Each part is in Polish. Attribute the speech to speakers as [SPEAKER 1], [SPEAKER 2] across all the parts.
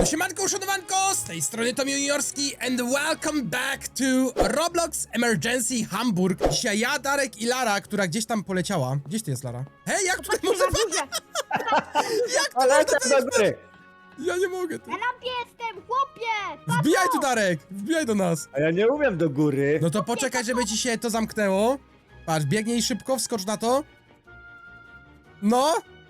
[SPEAKER 1] Siemanko, uszanowanko, z tej strony Tom Juniorski and welcome back to Roblox Emergency Hamburg. Dzisiaj ja, Darek i Lara, która gdzieś tam poleciała. Gdzieś ty jest, Lara? Hej, jak tutaj można... Jak tu
[SPEAKER 2] Ale
[SPEAKER 1] można
[SPEAKER 2] do góry!
[SPEAKER 1] Ja nie mogę, ty.
[SPEAKER 3] Na lampie jestem, chłopie!
[SPEAKER 1] Wbijaj tu, Darek, wbijaj do nas.
[SPEAKER 2] A ja nie umiem do góry.
[SPEAKER 1] No to poczekaj, żeby ci się to zamknęło. Patrz, biegnij szybko, wskocz na to. No.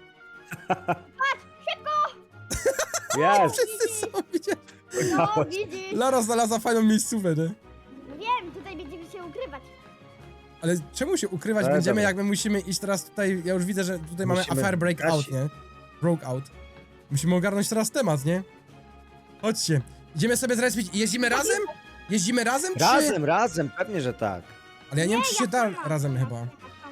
[SPEAKER 2] Jest!
[SPEAKER 1] Wszyscy są, widzisz?
[SPEAKER 3] No, widzisz?
[SPEAKER 1] Lara znalazła fajną miejscówkę, nie?
[SPEAKER 3] No wiem, tutaj będziemy się ukrywać.
[SPEAKER 1] Ale czemu się ukrywać
[SPEAKER 2] Ale
[SPEAKER 1] będziemy,
[SPEAKER 2] dobra.
[SPEAKER 1] jak my musimy iść teraz tutaj, ja już widzę, że tutaj mamy
[SPEAKER 2] Musimy
[SPEAKER 1] affair breakout,
[SPEAKER 2] grać.
[SPEAKER 1] nie? Brokeout. Musimy ogarnąć teraz temat, nie? Chodźcie. Idziemy sobie zrespić. Jeździmy razem? Jeździmy razem, czy...
[SPEAKER 2] Razem, pewnie, że tak.
[SPEAKER 1] Ale ja nie wiem, czy się da
[SPEAKER 3] sama.
[SPEAKER 1] razem chyba.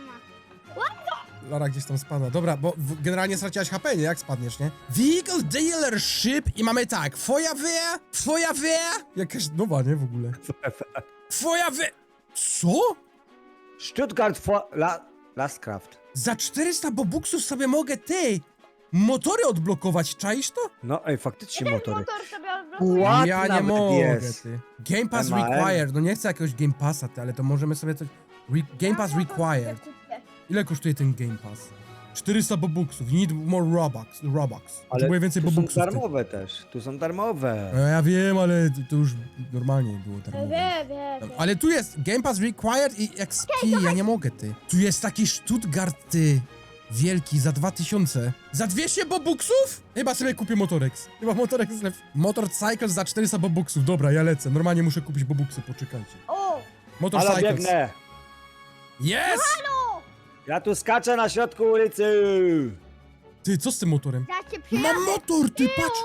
[SPEAKER 1] Lara gdzieś tam spada. Dobra, bo generalnie straciłaś HP, nie? Jak spadniesz, nie? Vehicle Dealership i mamy tak. Feuerwehr. Jakaś nowa, nie? W ogóle. Feuerwehr. Co?
[SPEAKER 2] Stuttgart Lastkraft.
[SPEAKER 1] Za 400 bobuksów sobie mogę, motory odblokować, czaisz to?
[SPEAKER 2] No ej, faktycznie motory.
[SPEAKER 3] Motor sobie odblokuje.
[SPEAKER 2] Ład
[SPEAKER 1] Ja nie
[SPEAKER 2] nawet
[SPEAKER 1] mogę,
[SPEAKER 2] jest.
[SPEAKER 1] ty. Game Pass
[SPEAKER 2] MAN.
[SPEAKER 1] required. No nie chcę jakiegoś Game Passa, ty, ale to możemy sobie coś... Game Pass required. Ile kosztuje ten Game Pass? 400 bobuksów. You need more Robux. Potrzebuję więcej
[SPEAKER 2] tu są
[SPEAKER 1] bobuksów, ty.
[SPEAKER 2] darmowe też. Tu są darmowe.
[SPEAKER 1] No ja wiem, ale to już normalnie było darmowe.
[SPEAKER 3] Wie.
[SPEAKER 1] Ale tu jest Game Pass required i XP, ja nie mogę, ty. Tu jest taki Stuttgart, ty. Wielki, za 2000. Za 200 bobuksów? Chyba sobie kupię Motorex. Chyba Motorex jest lepszy. Motorcycles za 400 bobuksów. Dobra, ja lecę. Normalnie muszę kupić bobuksy, poczekajcie.
[SPEAKER 3] O!
[SPEAKER 2] Ale
[SPEAKER 1] Motorcycles.
[SPEAKER 2] biegnę.
[SPEAKER 1] Yes!
[SPEAKER 3] Halo!
[SPEAKER 2] Ja tu skaczę na środku ulicy.
[SPEAKER 1] Ty, co z tym motorem?
[SPEAKER 3] Ja cię przyjadę.
[SPEAKER 1] Mam motor, ty, patrz!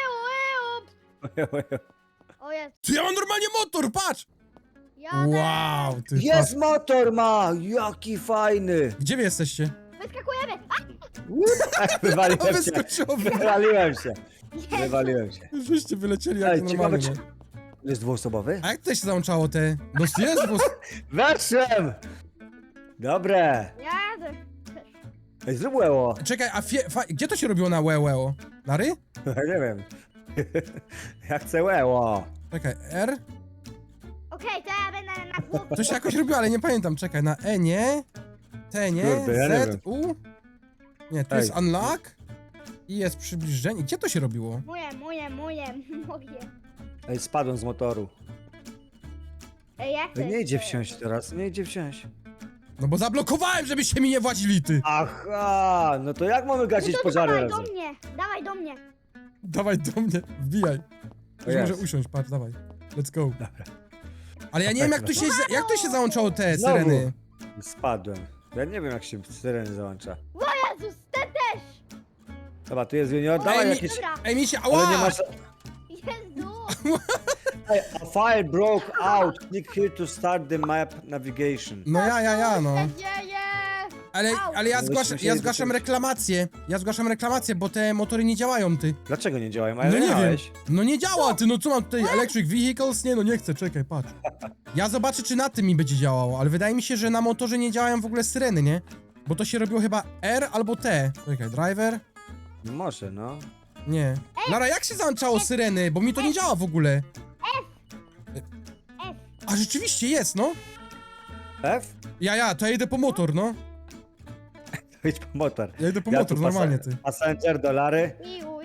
[SPEAKER 3] O jest.
[SPEAKER 1] Ty, ja mam normalnie motor, patrz!
[SPEAKER 3] Jadę.
[SPEAKER 1] Wow, ty,
[SPEAKER 2] Jest
[SPEAKER 1] patrz.
[SPEAKER 2] motor ma! Jaki fajny!
[SPEAKER 1] Gdzie wy jesteście?
[SPEAKER 3] Wyskakujemy.
[SPEAKER 2] Wywaliłem się.
[SPEAKER 1] Wyskoczyło.
[SPEAKER 2] Wywaliłem się. Wywaliłem się.
[SPEAKER 1] Żeście wylecieli jak
[SPEAKER 2] Ej,
[SPEAKER 1] normalnie,
[SPEAKER 2] ciekawe,
[SPEAKER 1] nie?
[SPEAKER 2] Jest dwuosobowy?
[SPEAKER 1] A jak to się załączało te? No jest, bo...
[SPEAKER 2] Weszłem! Dobre.
[SPEAKER 3] Jadę.
[SPEAKER 2] Ej, zrób łeło.
[SPEAKER 1] Czekaj, a gdzie to się robiło na łełeo? Na ry?
[SPEAKER 2] Nie wiem. Ja chcę łeło.
[SPEAKER 1] Czekaj, R?
[SPEAKER 3] Okej, to ja będę na głowę.
[SPEAKER 1] To się jakoś robiło, ale nie pamiętam. Czekaj, na E nie? T nie?
[SPEAKER 2] Kurde, ja nie
[SPEAKER 1] Z,
[SPEAKER 2] wiem.
[SPEAKER 1] U? Nie, tu
[SPEAKER 2] Ej.
[SPEAKER 1] jest unlock i jest przybliżenie. Gdzie to się robiło?
[SPEAKER 3] Moje.
[SPEAKER 2] Ej, spadłem z motoru.
[SPEAKER 3] Ej, jak to
[SPEAKER 2] Ej, nie
[SPEAKER 3] jest?
[SPEAKER 2] idzie wsiąść teraz, nie idzie wsiąść.
[SPEAKER 1] No bo zablokowałem, żebyście mi nie władzili, ty!
[SPEAKER 2] Aha, no to jak mamy gasić
[SPEAKER 3] No to
[SPEAKER 2] pożary
[SPEAKER 3] dawaj
[SPEAKER 2] razem?
[SPEAKER 3] do mnie. Dawaj do mnie.
[SPEAKER 1] Dawaj do mnie, wbijaj. Już
[SPEAKER 2] jest.
[SPEAKER 1] może usiąść, patrz, dawaj. Let's go. Ale ja nie wiem, jak tu się załączało te
[SPEAKER 2] Znowu.
[SPEAKER 1] syreny.
[SPEAKER 2] Spadłem. Ja nie wiem, jak się syreny załącza.
[SPEAKER 3] O Jezus, ten też.
[SPEAKER 2] Dobra, tu jest junior, dawaj
[SPEAKER 1] mi-
[SPEAKER 2] jakieś...
[SPEAKER 3] Dobra.
[SPEAKER 1] Ej, mi się,
[SPEAKER 2] Ale nie
[SPEAKER 1] ała!
[SPEAKER 2] masz...
[SPEAKER 3] Jezu.
[SPEAKER 2] Ej, a fire broke out. Click here to start the map navigation.
[SPEAKER 1] No ja, no.
[SPEAKER 3] Co się dzieje?
[SPEAKER 1] Ale ja
[SPEAKER 2] No,
[SPEAKER 1] zgłaszam,
[SPEAKER 2] byśmy
[SPEAKER 1] ja
[SPEAKER 2] musieli
[SPEAKER 1] zgłaszam
[SPEAKER 2] zacząć.
[SPEAKER 1] reklamację. Ja zgłaszam reklamację, bo te motory nie działają, ty.
[SPEAKER 2] Dlaczego nie działają?
[SPEAKER 1] No
[SPEAKER 2] Ale
[SPEAKER 1] nie wiem.
[SPEAKER 2] miałeś.
[SPEAKER 1] No nie działa, ty, no co mam tutaj? Electric vehicles? Nie, no nie chcę, czekaj, patrz. Ja zobaczę, czy na tym mi będzie działało, ale wydaje mi się, że na motorze nie działają w ogóle syreny, nie? Bo to się robiło chyba R albo T. Czekaj, driver?
[SPEAKER 2] Może, no.
[SPEAKER 1] Nie. Lara, jak się załączało syreny? Bo mi to nie działa w ogóle.
[SPEAKER 3] F.
[SPEAKER 1] A rzeczywiście jest, no.
[SPEAKER 2] F?
[SPEAKER 1] To ja idę po motor, no.
[SPEAKER 2] Idź po motor.
[SPEAKER 1] Ja idę po
[SPEAKER 2] Ja
[SPEAKER 1] motor,
[SPEAKER 2] tu
[SPEAKER 1] normalnie, ty.
[SPEAKER 2] Passenger, dolary.
[SPEAKER 3] Iu.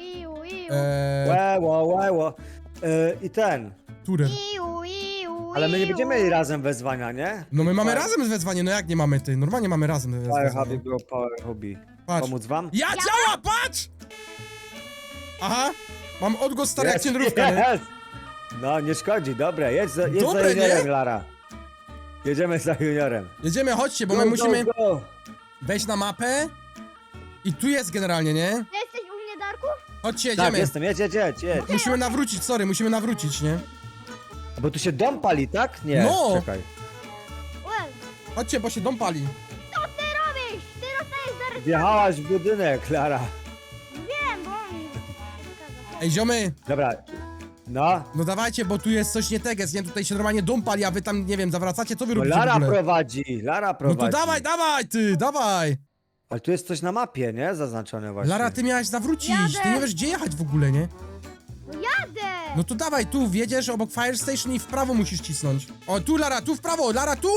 [SPEAKER 2] Łeło. I ten.
[SPEAKER 1] Turer.
[SPEAKER 3] Iu.
[SPEAKER 2] Ale my nie będziemy mieli razem wezwania, nie?
[SPEAKER 1] No my mamy razem wezwanie, no jak nie mamy, ty? Normalnie mamy razem
[SPEAKER 2] Power
[SPEAKER 1] wezwanie.
[SPEAKER 2] hobby było power hobby.
[SPEAKER 1] Patrz.
[SPEAKER 2] Pomóc wam?
[SPEAKER 1] Ja działa, patrz! Aha, mam odgłos stary jak
[SPEAKER 2] Jest,
[SPEAKER 1] ciędrówka, nie?
[SPEAKER 2] jest. No, nie szkodzi, dobre. Jedź za
[SPEAKER 1] Dobre,
[SPEAKER 2] juniorem,
[SPEAKER 1] nie?
[SPEAKER 2] Lara. Jedziemy za juniorem.
[SPEAKER 1] Jedziemy, chodźcie, bo
[SPEAKER 2] Go,
[SPEAKER 1] my
[SPEAKER 2] go,
[SPEAKER 1] musimy
[SPEAKER 2] go.
[SPEAKER 1] wejść na mapę. I tu jest generalnie, nie?
[SPEAKER 3] Ty jesteś u mnie, Darku?
[SPEAKER 1] Chodźcie,
[SPEAKER 2] Tak,
[SPEAKER 1] jedziemy.
[SPEAKER 2] jestem, jedź.
[SPEAKER 1] Musimy nawrócić, sorry, musimy nawrócić, nie?
[SPEAKER 2] Bo tu się dom pali, tak? Nie,
[SPEAKER 1] No.
[SPEAKER 2] czekaj.
[SPEAKER 3] Well,
[SPEAKER 1] Chodźcie, bo się dom pali.
[SPEAKER 3] co ty robisz? Ty dostajesz zaraz...
[SPEAKER 2] Wjechałaś w budynek, Lara.
[SPEAKER 3] Wiem, bo on...
[SPEAKER 1] Ej, ziomy,
[SPEAKER 2] Dobra. No.
[SPEAKER 1] no dawajcie, bo tu jest coś nie teges, nie? Tutaj się normalnie dom pali, a wy tam, nie wiem, zawracacie, co wy
[SPEAKER 2] Bo
[SPEAKER 1] robicie w
[SPEAKER 2] Lara
[SPEAKER 1] ogóle?
[SPEAKER 2] prowadzi, Lara
[SPEAKER 1] No
[SPEAKER 2] prowadzi.
[SPEAKER 1] to dawaj, ty, dawaj!
[SPEAKER 2] Ale tu jest coś na mapie, nie? Zaznaczone właśnie.
[SPEAKER 1] Lara, ty miałaś zawrócić, ty
[SPEAKER 3] Jadę.
[SPEAKER 1] nie wiesz, gdzie jechać w ogóle, nie?
[SPEAKER 3] No jadę!
[SPEAKER 1] No to dawaj, tu wjedziesz obok Fire Station i w prawo musisz cisnąć. O, tu Lara, tu w prawo, Lara, tu!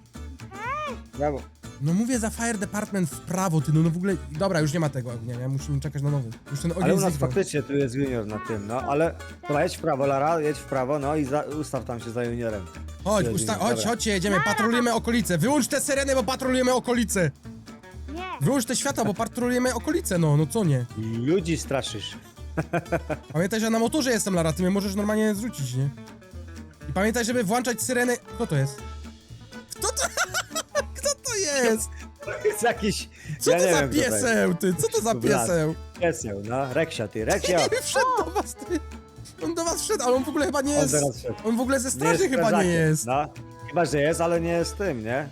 [SPEAKER 2] Brawo.
[SPEAKER 1] No mówię za Fire Department w prawo, ty, no w ogóle... Dobra, już nie ma tego ognia, ja musimy czekać na nowy. Już ten
[SPEAKER 2] Ale
[SPEAKER 1] ogień
[SPEAKER 2] u nas
[SPEAKER 1] zniknął.
[SPEAKER 2] faktycznie tu jest junior na tym, no, ale... Dobra, jedź w prawo, Lara, jedź w prawo, no i ustaw tam się za juniorem.
[SPEAKER 1] Chodź,
[SPEAKER 2] Jest junior,
[SPEAKER 1] chodź,
[SPEAKER 2] dobra.
[SPEAKER 1] chodźcie, jedziemy, patrolujemy okolice. Wyłącz te syreny, bo patrolujemy okolice.
[SPEAKER 3] Nie!
[SPEAKER 1] Wyłącz te światła, bo patrolujemy okolice, no co nie?
[SPEAKER 2] Ludzi straszysz.
[SPEAKER 1] Pamiętaj, że na motorze jestem, Lara, ty mnie możesz normalnie zrzucić, nie? I pamiętaj, żeby włączać syreny... Kto to jest? Kto to... Kto to jest?
[SPEAKER 2] To jest jakiś...
[SPEAKER 1] Co
[SPEAKER 2] ja
[SPEAKER 1] to
[SPEAKER 2] nie
[SPEAKER 1] za
[SPEAKER 2] wiem, kto to jest.
[SPEAKER 1] pieseł, ty? Co to za
[SPEAKER 2] Blat.
[SPEAKER 1] pieseł?
[SPEAKER 2] Pieseł, no, Reksio, ty, Reksio!
[SPEAKER 1] Wszedł do was, ty. On do was wszedł, ale on w ogóle chyba nie
[SPEAKER 2] On
[SPEAKER 1] jest...
[SPEAKER 2] teraz wszedł.
[SPEAKER 1] On w ogóle ze straży chyba nie
[SPEAKER 2] strażakiem,
[SPEAKER 1] jest.
[SPEAKER 2] No, chyba, że jest, ale nie jest tym, nie?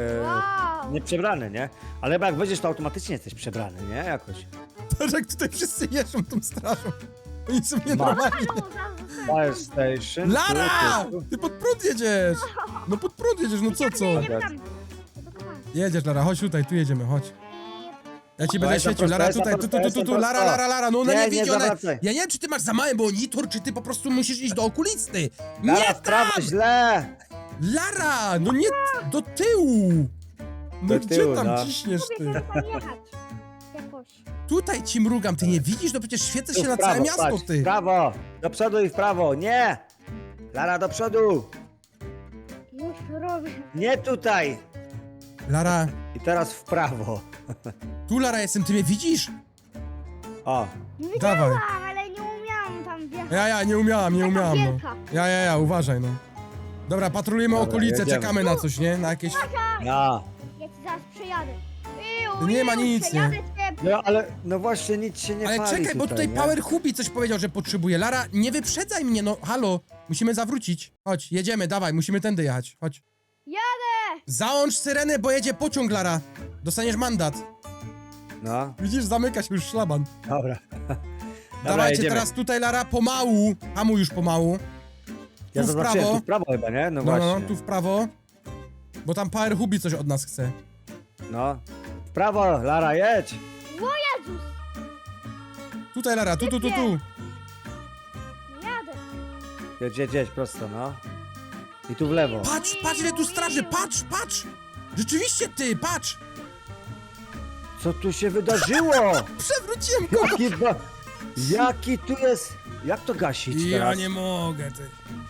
[SPEAKER 3] Wow!
[SPEAKER 2] Nie przebrany, nie? Ale chyba jak będziesz, to automatycznie jesteś przebrany, nie? Jakoś.
[SPEAKER 1] Patrz, jak tutaj wszyscy jeżdżą tą strażą. Oni są
[SPEAKER 2] Ma.
[SPEAKER 1] nienormalni.
[SPEAKER 2] Fire Station.
[SPEAKER 1] Lara!
[SPEAKER 2] tu.
[SPEAKER 1] Ty pod prąd jedziesz! No pod prąd jedziesz, no co?
[SPEAKER 3] Jedziemy tam.
[SPEAKER 1] Jedziesz, Lara, chodź tutaj, tu jedziemy, chodź. Ja ci będę
[SPEAKER 2] Dawaj,
[SPEAKER 1] świecił,
[SPEAKER 2] za
[SPEAKER 1] Lara,
[SPEAKER 2] prosto,
[SPEAKER 1] tutaj,
[SPEAKER 2] za
[SPEAKER 1] tu,
[SPEAKER 2] prosto.
[SPEAKER 1] Lara, no ona
[SPEAKER 2] Nie,
[SPEAKER 1] nie
[SPEAKER 2] nie
[SPEAKER 1] widzi, ona...
[SPEAKER 2] zawracaj.
[SPEAKER 1] Ja nie wiem, czy ty masz za mały monitor, czy ty po prostu musisz iść do okulisty.
[SPEAKER 2] Lara,
[SPEAKER 1] Nie
[SPEAKER 2] w prawo,
[SPEAKER 1] tam!
[SPEAKER 2] źle!
[SPEAKER 1] Lara, no nie do tyłu! No
[SPEAKER 2] Do
[SPEAKER 1] gdzie
[SPEAKER 2] tyłu,
[SPEAKER 1] tam
[SPEAKER 2] no.
[SPEAKER 1] ciśniesz, ty?
[SPEAKER 3] Próbuję tam jechać. Jakoś.
[SPEAKER 1] Tutaj ci mrugam, ty nie widzisz? No przecież świecę
[SPEAKER 2] Tu
[SPEAKER 1] się
[SPEAKER 2] w
[SPEAKER 1] na
[SPEAKER 2] prawo,
[SPEAKER 1] całe miasto,
[SPEAKER 2] patrz,
[SPEAKER 1] ty.
[SPEAKER 2] w prawo! Do przodu i w prawo, nie! Lara, do przodu!
[SPEAKER 3] Już robię.
[SPEAKER 2] Nie tutaj!
[SPEAKER 1] Lara,
[SPEAKER 2] I teraz w prawo.
[SPEAKER 1] tu Lara jestem, ty mnie widzisz?
[SPEAKER 2] O,
[SPEAKER 1] Dawaj.
[SPEAKER 3] Widziałam, ale nie umiałam tam wjechać.
[SPEAKER 1] Ja, nie umiałam, no.
[SPEAKER 3] wielka.
[SPEAKER 1] Ja, uważaj, no. Dobra, patrolujemy
[SPEAKER 2] Dobra,
[SPEAKER 1] okolice,
[SPEAKER 2] jedziemy.
[SPEAKER 1] czekamy na coś, nie? Na jakieś...
[SPEAKER 2] no.
[SPEAKER 3] Ja ci zaraz przejadę.
[SPEAKER 1] Nie ma nic,
[SPEAKER 3] przejadę
[SPEAKER 1] nie.
[SPEAKER 3] cię.
[SPEAKER 2] No ale, no właśnie nic się nie
[SPEAKER 1] Ale
[SPEAKER 2] pali
[SPEAKER 1] czekaj, bo tutaj
[SPEAKER 2] nie?
[SPEAKER 1] Power Hubi coś powiedział, że potrzebuje. Lara, nie wyprzedzaj mnie, no halo. Musimy zawrócić. Chodź, jedziemy, dawaj, musimy tędy jechać. Chodź.
[SPEAKER 3] Jadę!
[SPEAKER 1] Załącz syrenę, bo jedzie pociąg, Lara. Dostaniesz mandat.
[SPEAKER 2] No,
[SPEAKER 1] Widzisz, zamyka się już szlaban.
[SPEAKER 2] dobra. Dobra,
[SPEAKER 1] Dawajcie
[SPEAKER 2] jedziemy.
[SPEAKER 1] teraz tutaj, Lara, pomału. Hamuj już pomału.
[SPEAKER 2] Ja
[SPEAKER 1] tu w
[SPEAKER 2] zaznaczyłem,
[SPEAKER 1] prawo.
[SPEAKER 2] tu w prawo chyba, nie? No
[SPEAKER 1] No,
[SPEAKER 2] właśnie.
[SPEAKER 1] tu w prawo. Bo tam Power Hubi coś od nas chce.
[SPEAKER 2] No. W prawo, Lara, jedź!
[SPEAKER 3] O Jezus!
[SPEAKER 1] Tutaj, Lara, tu.
[SPEAKER 3] Jadę.
[SPEAKER 2] Jedź, prosto, no. I tu w lewo.
[SPEAKER 1] Patrz, ile tu straży, patrz! Rzeczywiście ty, patrz!
[SPEAKER 2] Co tu się wydarzyło?
[SPEAKER 1] Przewróciłem go!
[SPEAKER 2] Jaki tu jest... Jak to gasić
[SPEAKER 1] Ja
[SPEAKER 2] teraz?
[SPEAKER 1] nie mogę, ty.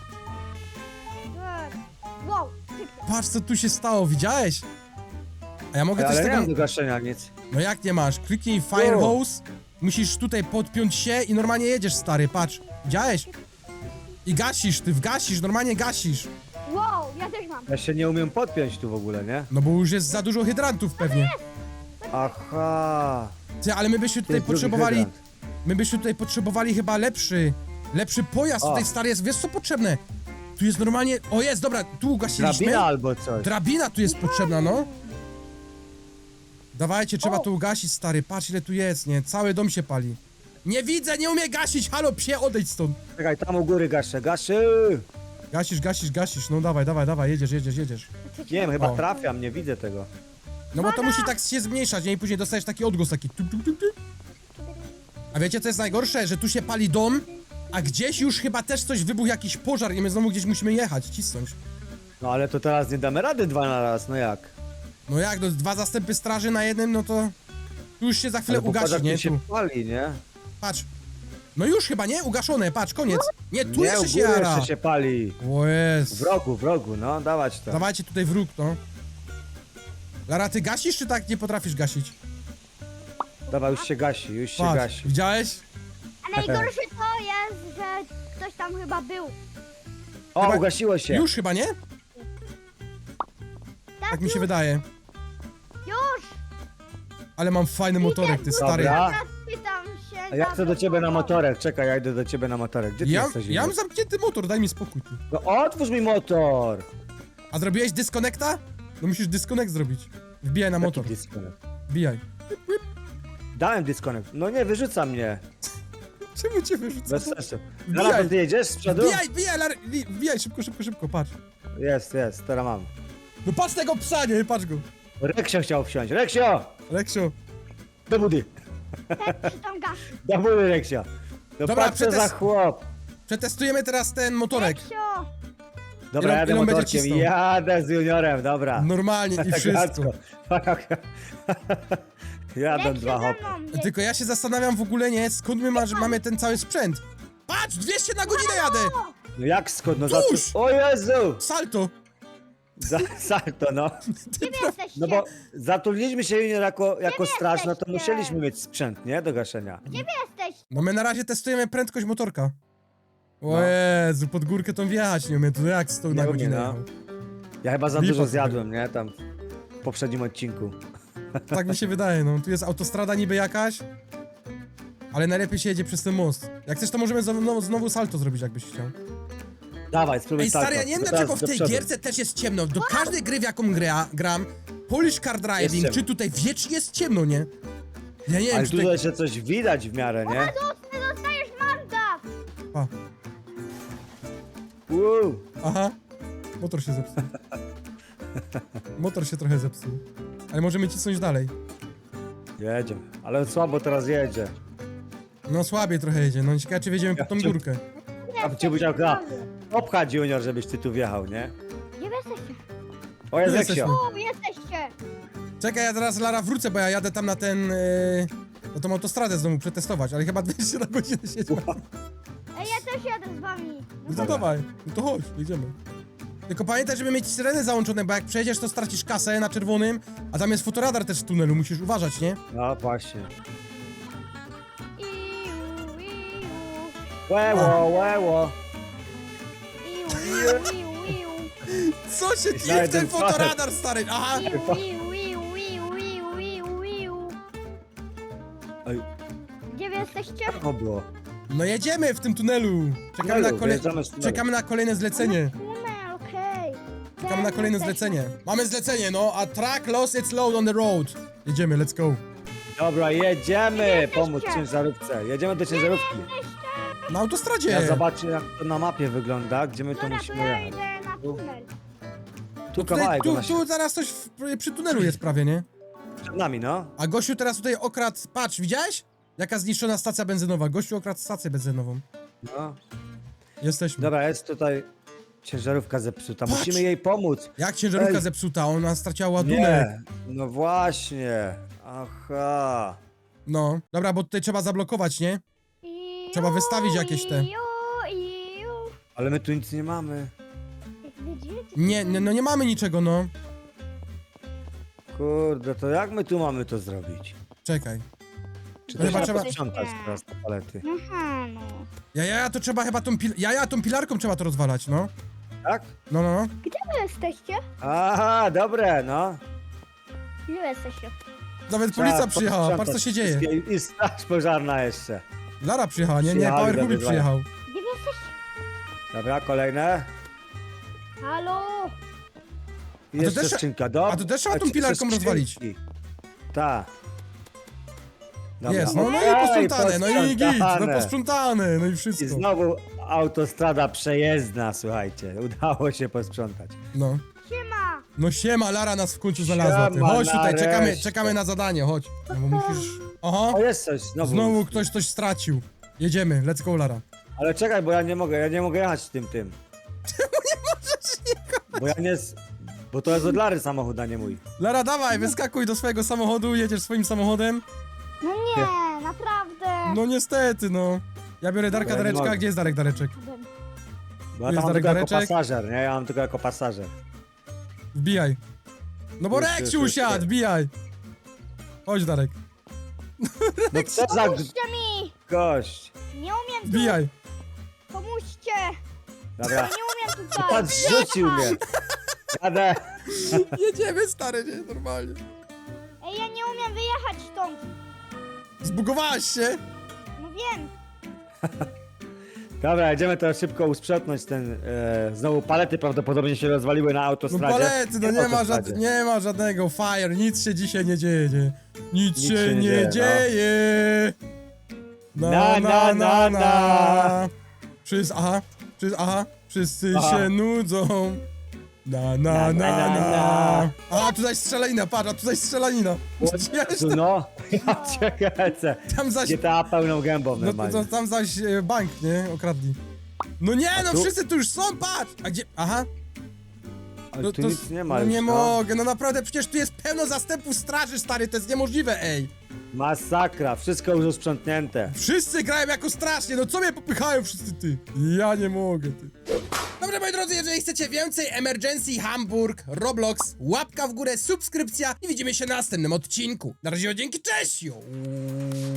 [SPEAKER 3] Wow!
[SPEAKER 1] Patrz, co tu się stało, widziałeś? A ja mogę
[SPEAKER 2] Ale
[SPEAKER 1] coś
[SPEAKER 2] nie
[SPEAKER 1] tego...
[SPEAKER 2] mam do gaszenia nic.
[SPEAKER 1] No jak nie masz? Kliknij Fire
[SPEAKER 2] O.
[SPEAKER 1] Hose, musisz tutaj podpiąć się i normalnie jedziesz, stary, patrz. Widziałeś? I gasisz, ty wgasisz, normalnie gasisz.
[SPEAKER 3] Wow! Ja też mam.
[SPEAKER 2] Ja się nie umiem podpiąć tu w ogóle, nie?
[SPEAKER 1] No bo już jest za dużo hydrantów pewnie.
[SPEAKER 2] Aha.
[SPEAKER 1] Ty, ale my byśmy
[SPEAKER 2] To
[SPEAKER 1] tutaj
[SPEAKER 2] jest drugi
[SPEAKER 1] potrzebowali...
[SPEAKER 2] hydrant.
[SPEAKER 1] My byśmy tutaj potrzebowali chyba lepszy pojazd.
[SPEAKER 2] O.
[SPEAKER 1] Tutaj, stary, jest, wiesz co potrzebne? Tu jest normalnie... O, jest, dobra, tu ugasiliśmy.
[SPEAKER 2] Drabina albo coś.
[SPEAKER 1] Drabina tu jest potrzebna, no. Dawajcie, trzeba to ugasić, stary. Patrz, ile tu jest, nie? Cały dom się pali. Nie widzę, nie umie gasić. Halo, psie, odejdź stąd.
[SPEAKER 2] Czekaj, tam u góry gaszę, gaszy!
[SPEAKER 1] Gasisz. No dawaj, jedziesz.
[SPEAKER 2] Nie wiem, chyba
[SPEAKER 1] O.
[SPEAKER 2] trafiam, nie widzę tego.
[SPEAKER 1] No bo to musi tak się zmniejszać, nie? I później dostajesz taki odgłos, taki tup. A wiecie, co jest najgorsze? Że tu się pali dom, a gdzieś już chyba też coś wybuchł, jakiś pożar i my znowu gdzieś musimy jechać, cisnąć.
[SPEAKER 2] No ale to teraz nie damy rady dwa na raz, no jak?
[SPEAKER 1] No jak, no 2 zastępy straży na jednym, no to... Tu już się za chwilę
[SPEAKER 2] Ale
[SPEAKER 1] ugasi,
[SPEAKER 2] popatrz,
[SPEAKER 1] nie?
[SPEAKER 2] jak tu
[SPEAKER 1] Tu.
[SPEAKER 2] się pali, nie?
[SPEAKER 1] Patrz. No już chyba, nie? Ugaszone, patrz, koniec. Nie, tu
[SPEAKER 2] Nie,
[SPEAKER 1] jeszcze
[SPEAKER 2] u
[SPEAKER 1] się
[SPEAKER 2] góry
[SPEAKER 1] jara.
[SPEAKER 2] jeszcze się pali.
[SPEAKER 1] O jest.
[SPEAKER 2] W rogu, no, dawać to.
[SPEAKER 1] Dawajcie tutaj wróg, no. Lara, ty gasisz, czy tak nie potrafisz gasić?
[SPEAKER 2] Dawaj, już się gasi,
[SPEAKER 1] Patrz, widziałeś?
[SPEAKER 3] A najgorsze to jest, że ktoś tam chyba był.
[SPEAKER 2] O,
[SPEAKER 1] Chyba-
[SPEAKER 2] ugasiło się.
[SPEAKER 1] Już chyba, nie? Tak mi się wydaje.
[SPEAKER 3] Już!
[SPEAKER 1] Ale mam fajny motorek, ty stary.
[SPEAKER 2] Dobra.
[SPEAKER 3] Teraz pytam się...
[SPEAKER 2] A ja chcę do ciebie na motorek, czekaj, ja idę do ciebie na motorek. Gdzie ty
[SPEAKER 1] Ja,
[SPEAKER 2] jesteś?
[SPEAKER 1] ja mam
[SPEAKER 2] Igor?
[SPEAKER 1] zamknięty motor, daj mi spokój, ty.
[SPEAKER 2] No otwórz mi motor!
[SPEAKER 1] A zrobiłeś dyskonekta? No musisz dyskonekt zrobić. Wbijaj na motor.
[SPEAKER 2] Jaki disconnect?
[SPEAKER 1] Wbijaj.
[SPEAKER 2] Dałem disconnect. No nie, wyrzuca mnie.
[SPEAKER 1] Czemu cię wyrzucę?
[SPEAKER 2] Bez sensu.
[SPEAKER 1] Wbijaj.
[SPEAKER 2] Lara, to ty jedziesz z przodu?
[SPEAKER 1] Wbijaj, wbijaj, szybko, patrz.
[SPEAKER 2] Jest, teraz mam.
[SPEAKER 1] No patrz tego psa, nie? Patrz go.
[SPEAKER 2] Reksio chciał wsiąść. Reksio!
[SPEAKER 1] Reksio.
[SPEAKER 2] Do budy.
[SPEAKER 3] Ten przy tam gasi.
[SPEAKER 2] Do budy, Reksio. No
[SPEAKER 1] Dobra,
[SPEAKER 2] patrz co za chłop.
[SPEAKER 1] Przetestujemy teraz ten motorek.
[SPEAKER 3] Reksio!
[SPEAKER 2] Dobra,
[SPEAKER 1] Ile-
[SPEAKER 2] jadę
[SPEAKER 1] ile on będzie
[SPEAKER 2] motorkiem,
[SPEAKER 1] cisnął?
[SPEAKER 2] jadę z juniorem, dobra.
[SPEAKER 1] Normalnie i wszystko.
[SPEAKER 2] Jadą
[SPEAKER 3] Reksio
[SPEAKER 2] dwa
[SPEAKER 3] za
[SPEAKER 2] hopy.
[SPEAKER 3] mną!
[SPEAKER 1] Tylko ja się zastanawiam w ogóle, nie, skąd my mamy ten cały sprzęt. Patrz, 200 na godzinę jadę!
[SPEAKER 2] No jak skąd? No
[SPEAKER 1] Tuż!
[SPEAKER 2] O Jezu!
[SPEAKER 1] Salto!
[SPEAKER 2] Salto, no.
[SPEAKER 3] Gdzie wy jesteście?
[SPEAKER 2] No bo zatrudniliśmy się junior jako straż, no to
[SPEAKER 3] jesteście?
[SPEAKER 2] musieliśmy mieć sprzęt, nie? Do gaszenia.
[SPEAKER 3] Gdzie wy jesteście?
[SPEAKER 1] No my na razie testujemy prędkość motorka. O
[SPEAKER 2] No.
[SPEAKER 1] Jezu, pod górkę tą wjechać nie umiem, to jak 100 na
[SPEAKER 2] Nie umie,
[SPEAKER 1] godzinę
[SPEAKER 2] no.
[SPEAKER 1] jechał.
[SPEAKER 2] Ja chyba za
[SPEAKER 1] Lipa
[SPEAKER 2] dużo
[SPEAKER 1] sobie.
[SPEAKER 2] zjadłem, nie? Tam w poprzednim odcinku.
[SPEAKER 1] Tak mi się wydaje, no. Tu jest autostrada niby jakaś, ale najlepiej się jedzie przez ten most. Jak chcesz, to możemy znowu salto zrobić, jakbyś chciał.
[SPEAKER 2] Dawaj, spróbuj
[SPEAKER 1] Ej, stary,
[SPEAKER 2] salto.
[SPEAKER 1] ja nie wiem
[SPEAKER 2] Teraz
[SPEAKER 1] dlaczego w
[SPEAKER 2] do
[SPEAKER 1] tej
[SPEAKER 2] przodu.
[SPEAKER 1] gierce też jest ciemno. Do każdej gry, w jaką gram, Polish Car Driving,
[SPEAKER 2] ciemno.
[SPEAKER 1] czy tutaj wiecznie jest ciemno, nie? Ja nie wiem,
[SPEAKER 2] Ale
[SPEAKER 1] czy
[SPEAKER 2] tu
[SPEAKER 1] tutaj...
[SPEAKER 2] jeszcze coś widać w miarę, nie?
[SPEAKER 3] Ty dostajesz mandat!
[SPEAKER 1] A,
[SPEAKER 2] Uuu.
[SPEAKER 1] aha. Motor się zepsuł. Motor się trochę zepsuł. Ale możemy cisnąć dalej.
[SPEAKER 2] Jedzie. Ale słabo teraz jedzie.
[SPEAKER 1] No słabiej trochę jedzie, no ciekawe czy wjedziemy pod tą
[SPEAKER 2] Ja cię-
[SPEAKER 1] górkę.
[SPEAKER 2] A cię musiał obchać junior, żebyś ty tu wjechał, nie?
[SPEAKER 3] Gdzie wy jesteście?
[SPEAKER 2] O, jest
[SPEAKER 1] Tu jesteśmy.
[SPEAKER 2] Reksio.
[SPEAKER 3] Tu jesteście!
[SPEAKER 1] Czekaj, ja teraz Lara wrócę, bo ja jadę tam na ten... na tą autostradę znowu przetestować, ale chyba 200 na godzinę siedzi.
[SPEAKER 3] Ej, ja też jadę z wami!
[SPEAKER 1] No to dawaj, no to chodź, jedziemy. Tylko pamiętaj, żeby mieć syreny załączone, bo jak przejedziesz, to stracisz kasę na czerwonym, a tam jest fotoradar też w tunelu, musisz uważać, nie?
[SPEAKER 2] No właśnie.
[SPEAKER 3] Iu, iu,
[SPEAKER 2] Łeło, łeło.
[SPEAKER 3] iu, iu, iu.
[SPEAKER 1] Co się dzieje w
[SPEAKER 2] Znajdę
[SPEAKER 1] ten
[SPEAKER 2] parę.
[SPEAKER 1] fotoradar, stary? Aha!
[SPEAKER 3] Iu, iu, iu, iu, iu, iu, iu.
[SPEAKER 2] Oj,
[SPEAKER 3] Gdzie wy jesteście?
[SPEAKER 2] to było.
[SPEAKER 1] No jedziemy w tym tunelu! Czekamy na,
[SPEAKER 2] Wyjeżdżamy z tunelu.
[SPEAKER 1] czekamy na kolejne zlecenie.
[SPEAKER 3] Tunel, okej.
[SPEAKER 1] Czekamy na kolejne zlecenie. Mamy zlecenie, no, a track lost its load on the road. Jedziemy, let's go.
[SPEAKER 2] Dobra, jedziemy
[SPEAKER 3] jesteście?
[SPEAKER 2] pomóc ciężarówce. Jedziemy do ciężarówki.
[SPEAKER 1] Na autostradzie.
[SPEAKER 2] Ja zobaczę jak to na mapie wygląda, gdzie my tu
[SPEAKER 3] Dobra, to
[SPEAKER 2] musimy
[SPEAKER 3] ja
[SPEAKER 2] jechać.
[SPEAKER 3] idę na tunel.
[SPEAKER 2] Tu
[SPEAKER 1] Tutaj,
[SPEAKER 2] kawałek
[SPEAKER 1] tu,
[SPEAKER 2] na
[SPEAKER 1] tu zaraz coś przy tunelu jest prawie, nie?
[SPEAKER 2] przed nami, no.
[SPEAKER 1] A gościu teraz tutaj okradł, patrz, widziałeś? Jaka zniszczona stacja benzynowa. Gościu okradł stację benzynową.
[SPEAKER 2] No.
[SPEAKER 1] Jesteśmy.
[SPEAKER 2] Dobra, jest tutaj ciężarówka zepsuta.
[SPEAKER 1] Patrz!
[SPEAKER 2] Musimy jej pomóc.
[SPEAKER 1] Jak ciężarówka
[SPEAKER 2] Ej.
[SPEAKER 1] zepsuta, ona straciła ładunek.
[SPEAKER 2] Nie, no właśnie. Aha.
[SPEAKER 1] No, dobra, bo tutaj trzeba zablokować, nie?
[SPEAKER 3] Iu,
[SPEAKER 1] Trzeba wystawić jakieś te.
[SPEAKER 3] Iu, iu.
[SPEAKER 2] Ale my tu nic nie mamy.
[SPEAKER 3] Jak widzicie?
[SPEAKER 1] Nie, no nie mamy niczego, no.
[SPEAKER 2] Kurde, to jak my tu mamy to zrobić?
[SPEAKER 1] Czekaj.
[SPEAKER 2] Czy
[SPEAKER 1] No
[SPEAKER 2] to
[SPEAKER 1] chyba
[SPEAKER 2] trzeba
[SPEAKER 1] trzeba-
[SPEAKER 2] posprzątać teraz te palety?
[SPEAKER 3] Aha, no.
[SPEAKER 1] Ja to trzeba chyba tą pilarką trzeba to rozwalać, no.
[SPEAKER 2] Tak?
[SPEAKER 1] No.
[SPEAKER 3] Gdzie wy jesteście?
[SPEAKER 2] Aha, dobre, no.
[SPEAKER 3] Gdzie wy jesteście?
[SPEAKER 1] Nawet
[SPEAKER 2] Trzeba
[SPEAKER 1] policja przyjechała, patrz co
[SPEAKER 2] posprzątać
[SPEAKER 1] się dzieje.
[SPEAKER 2] wszystkie- I straż pożarna jeszcze.
[SPEAKER 1] Lara przyjechała, nie,
[SPEAKER 2] Przyjechali
[SPEAKER 1] Power
[SPEAKER 2] do
[SPEAKER 1] Hubik
[SPEAKER 2] wyzwania.
[SPEAKER 1] przyjechał.
[SPEAKER 3] Gdzie wy jesteście?
[SPEAKER 2] Dobra, kolejne.
[SPEAKER 3] Halo?
[SPEAKER 2] I jeszcze
[SPEAKER 1] też-
[SPEAKER 2] skrzynka, dobra.
[SPEAKER 1] a to też trzeba tą
[SPEAKER 2] jeszcze
[SPEAKER 1] pilarką
[SPEAKER 2] skrzynki.
[SPEAKER 1] rozwalić.
[SPEAKER 2] Tak. Dobra,
[SPEAKER 1] Jest, no i
[SPEAKER 2] okej,
[SPEAKER 1] posprzątane, no i git, no
[SPEAKER 2] posprzątane.
[SPEAKER 1] posprzątane, no i
[SPEAKER 2] I
[SPEAKER 1] wszystko.
[SPEAKER 2] znowu autostrada przejezdna, słuchajcie. Udało się posprzątać.
[SPEAKER 1] No.
[SPEAKER 3] Siema!
[SPEAKER 1] No siema, Lara nas w końcu znalazła, ty.
[SPEAKER 2] Siema,
[SPEAKER 1] Chodź tutaj,
[SPEAKER 2] nareszcie.
[SPEAKER 1] czekamy na zadanie, chodź. No bo musisz... Aha,
[SPEAKER 2] O, jest coś, znowu.
[SPEAKER 1] znowu ktoś coś stracił. Jedziemy, let's go, Lara.
[SPEAKER 2] Ale czekaj, bo ja nie mogę jechać tym. Czemu nie możesz jechać? Bo ja nie... Bo to jest od Lary samochód, a nie mój.
[SPEAKER 1] Lara, dawaj, wyskakuj do swojego samochodu, jedziesz swoim samochodem.
[SPEAKER 3] No nie, naprawdę!
[SPEAKER 1] No niestety, no. Ja biorę Darka
[SPEAKER 2] ja nie
[SPEAKER 1] Dareczka,
[SPEAKER 2] mogę.
[SPEAKER 1] gdzie jest Darek Dareczek?
[SPEAKER 2] Bo ja
[SPEAKER 1] Jest
[SPEAKER 2] tam mam
[SPEAKER 1] Darek
[SPEAKER 2] tylko jako
[SPEAKER 1] Dareczek?
[SPEAKER 2] pasażer, nie? Ja mam tylko jako pasażer.
[SPEAKER 1] Wbijaj. No bo
[SPEAKER 2] Już,
[SPEAKER 1] Reksiu
[SPEAKER 2] już,
[SPEAKER 1] usiadł,
[SPEAKER 2] już.
[SPEAKER 1] wbijaj. Chodź, Darek.
[SPEAKER 2] No co za
[SPEAKER 3] Pomóżcie mi!
[SPEAKER 2] gość.
[SPEAKER 3] Nie umiem tu!
[SPEAKER 1] Wbijaj.
[SPEAKER 3] Pomóżcie!
[SPEAKER 2] Dobra.
[SPEAKER 3] Nie umiem tutaj!
[SPEAKER 2] Pan zrzucił mnie. Jadę.
[SPEAKER 1] Jedziemy, stary, nie? Normalnie.
[SPEAKER 3] Ej, ja nie umiem wyjechać stąd!
[SPEAKER 1] Zbugowałaś się?
[SPEAKER 3] No wiem!
[SPEAKER 2] Dobra, jedziemy teraz szybko usprzątnąć ten... znowu palety prawdopodobnie się rozwaliły na
[SPEAKER 1] No
[SPEAKER 2] autostradzie.
[SPEAKER 1] palety, no nie ma żadnego fire, nic się dzisiaj nie dzieje, nie. Nic się nie dzieje. Na. Wszyscy
[SPEAKER 2] Aha.
[SPEAKER 1] się nudzą. Na. A, tutaj strzelanina, patrz, a tutaj strzelanina.
[SPEAKER 2] Jezu, no. Ja cię kręcę.
[SPEAKER 1] Tam zaś,
[SPEAKER 2] GTA pełną gębą
[SPEAKER 1] no
[SPEAKER 2] normalnie.
[SPEAKER 1] tam zaś bank, nie, okradli. No nie, no
[SPEAKER 2] tu?
[SPEAKER 1] wszyscy tu już są, patrz! A gdzie? Aha.
[SPEAKER 2] Ale
[SPEAKER 1] No
[SPEAKER 2] tu
[SPEAKER 1] to,
[SPEAKER 2] nic nie ma
[SPEAKER 1] no
[SPEAKER 2] już,
[SPEAKER 1] nie
[SPEAKER 2] no.
[SPEAKER 1] mogę, no naprawdę, przecież tu jest pełno zastępów straży, stary, to jest niemożliwe, ej.
[SPEAKER 2] Masakra, wszystko już usprzątnięte.
[SPEAKER 1] Wszyscy grają jako strasznie, no co mnie popychają wszyscy, ty? Ja nie mogę, ty. Dobrze, moi drodzy, jeżeli chcecie więcej Emergency Hamburg, Roblox, łapka w górę, subskrypcja i widzimy się na następnym odcinku. Na razie, dzięki, cześć! Jo.